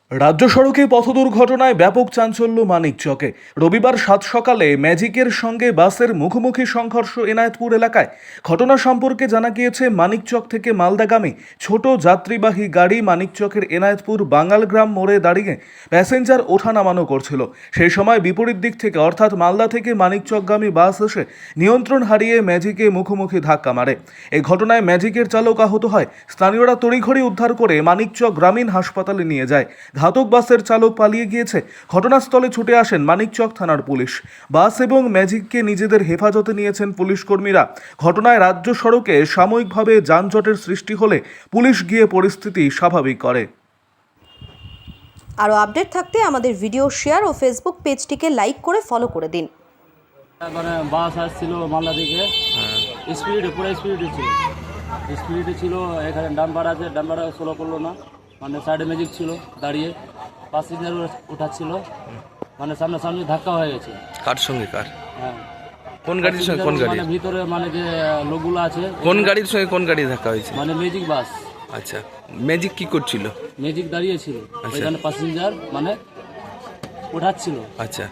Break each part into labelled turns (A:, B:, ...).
A: রাজ্য সড়কে পথ দুর্ঘটনায় ব্যাপক চাঞ্চল্য মানিকচকে। রবিবার সাত সকালে ম্যাজিকের সঙ্গে বাসের মুখোমুখি সংঘর্ষ এনায়েতপুর এলাকায়। ঘটনা সম্পর্কে জানা গিয়েছে, মানিকচক থেকে মালদাগামী ছোট যাত্রীবাহী গাড়ি মানিকচকের এনায়েতপুর বাঙালগ্রাম মোড়ে দাঁড়িয়ে প্যাসেঞ্জার ওঠা নামানো করছিল। সেই সময় বিপরীত দিক থেকে অর্থাৎ মালদা থেকে মানিকচকগামী বাস এসে নিয়ন্ত্রণ হারিয়ে ম্যাজিকে মুখোমুখি ধাক্কা মারে। এই ঘটনায় ম্যাজিকের চালক আহত হয়। স্থানীয়রা তড়িঘড়ি উদ্ধার করে মানিকচক গ্রামীণ হাসপাতালে নিয়ে যায়। ঘাতক বাসের চালক পালিয়ে গিয়েছে। ঘটনাস্থলে ছুটে আসেন মানিকচক থানার পুলিশ। বাস এবং ম্যাজিককে নিজেদের হেফাজতে নিয়েছেন পুলিশ কর্মীরা। ঘটনায় রাজ্য সড়কে সাময়িকভাবে যানজটের সৃষ্টি হলে পুলিশ গিয়ে পরিস্থিতি স্বাভাবিক করে।
B: আরও আপডেট থাকতে আমাদের ভিডিও শেয়ার ও ফেসবুক পেজটিকে লাইক করে ফলো করে দিন।
C: মানে বাস আসছিল মালদা থেকে, স্পিডে পুরো স্পিডে ছিল। এখানে ডাম্পার আছে, ডাম্পারে স্লো করলো না, মানে সাইডে ম্যাজিক ছিল দাঁড়িয়ে, প্যাসেঞ্জার উঠাচ্ছিল, মানে সামনাসামনি ধাক্কা হয়ে গেছে।
D: কার সঙ্গে কার?
C: হ্যাঁ,
D: কোন গাড়ির সঙ্গে কোন গাড়ি?
C: মানে ভিতরে মানে যে লোকগুলো আছে।
D: কোন গাড়ির সঙ্গে কোন গাড়ি ধাক্কা হয়েছে?
C: মানে ম্যাজিক বাস।
D: আচ্ছা, ম্যাজিক কি করছিল?
C: ম্যাজিক দাঁড়িয়ে ছিল,
D: আচ্ছা।
C: ওইখানে প্যাসেঞ্জার মানে উঠাচ্ছিল।
D: আচ্ছা,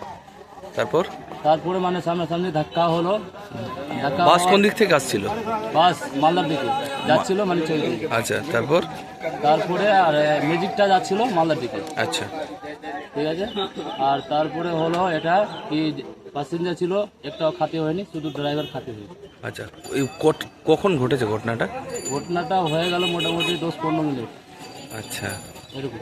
D: তারপরে
C: মানে সামনাসামনি ধাক্কা হলো।
D: বাস কোন দিক থেকে আসছিল?
C: বাস মালদার দিকে যাচ্ছিল, মানে চলে গেছে।
D: আচ্ছা, তারপরে
C: আর ম্যাজিকটা যাচ্ছিল মালদার দিকে।
D: আচ্ছা,
C: ঠিক আছে। আর তারপরে হলো এটা কি, প্যাসেঞ্জার ছিল একটাও খাতে হয়নি, শুধু ড্রাইভার খাতে হয়েছে।
D: আচ্ছা, কখন ঘটেছে ঘটনাটা?
C: ঘটনাটা হয়ে গেল মোটামুটি 10-15 মিনিট
D: আচ্ছা,
C: এরকম।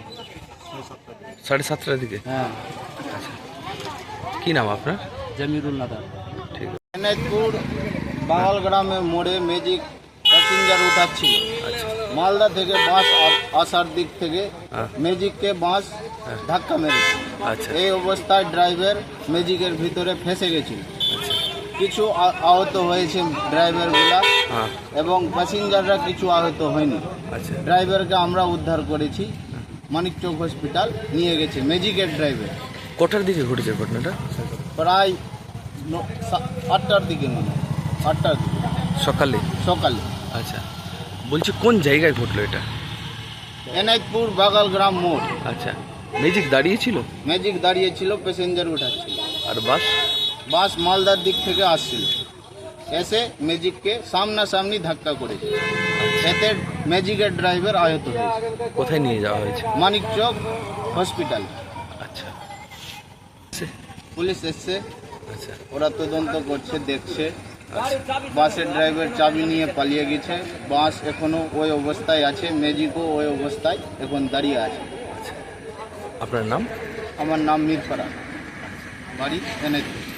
D: 7:30টার দিকে।
C: হ্যাঁ।
D: আচ্ছা, কি নাম আপনার?
C: জামিরুল নাদার।
D: ঠিক আছে।
E: এনায়েতপুর বাঙালগ্রামের মোড়ে ম্যাজিক প্যাসেঞ্জার উঠাচ্ছিল।
D: আচ্ছা,
E: মালদা থেকে বাস আসার দিক থেকে ম্যাজিককে বাস ধাক্কা মেরেছে।
D: আচ্ছা,
E: এই অবস্থায় ড্রাইভার ম্যাজিকের ভিতরে ফেঁসে গেছিল।
D: আচ্ছা,
E: কিছু আহত হয়েছে ড্রাইভারগুলা,
D: হ্যাঁ,
E: এবং প্যাসেঞ্জাররা কিছু আহত হয়নি।
D: আচ্ছা,
E: ড্রাইভারকে আমরা উদ্ধার করেছি, মানিকচক হসপিটাল নিয়ে গেছে ম্যাজিকের ড্রাইভার।
D: কটার দিকে ঘটেছে ঘটনাটা?
E: প্রায় 8টার দিকে, মনে হয় 8টার দিকে
D: সকালে। আচ্ছা, বলছি কোন জায়গায় ঘটলো এটা?
E: এনায়েতপুর বাগালগ্রাম মোড়।
D: আচ্ছা, ম্যাজিক দাঁড়িয়েছিল?
E: ম্যাজিক দাঁড়িয়েছিল, প্যাসেঞ্জার উঠাচ্ছিল।
D: আর
E: বাস মালদার দিক থেকে আসছিল, এসে ম্যাজিককে সামনাসামনি ধাক্কা করেছে। এতে ম্যাজিকের ড্রাইভার আহত হয়েছে।
D: কোথায় নিয়ে যাওয়া হয়েছে?
E: মানিকচক হসপিটাল।
D: আচ্ছা,
E: পুলিশ এসছে,
D: আচ্ছা,
E: ওরা তদন্ত করছে, দেখছে। বাসের ড্রাইভার চাবি নিয়ে পালিয়ে গেছে। বাস এখনো ওই অবস্থায় আছে, ম্যাজিকও ওই অবস্থায় এখন দাঁড়িয়ে আছে।
D: আপনার নাম?
E: আমার নাম মিরফারা, বাড়ি এনায়েতপুর।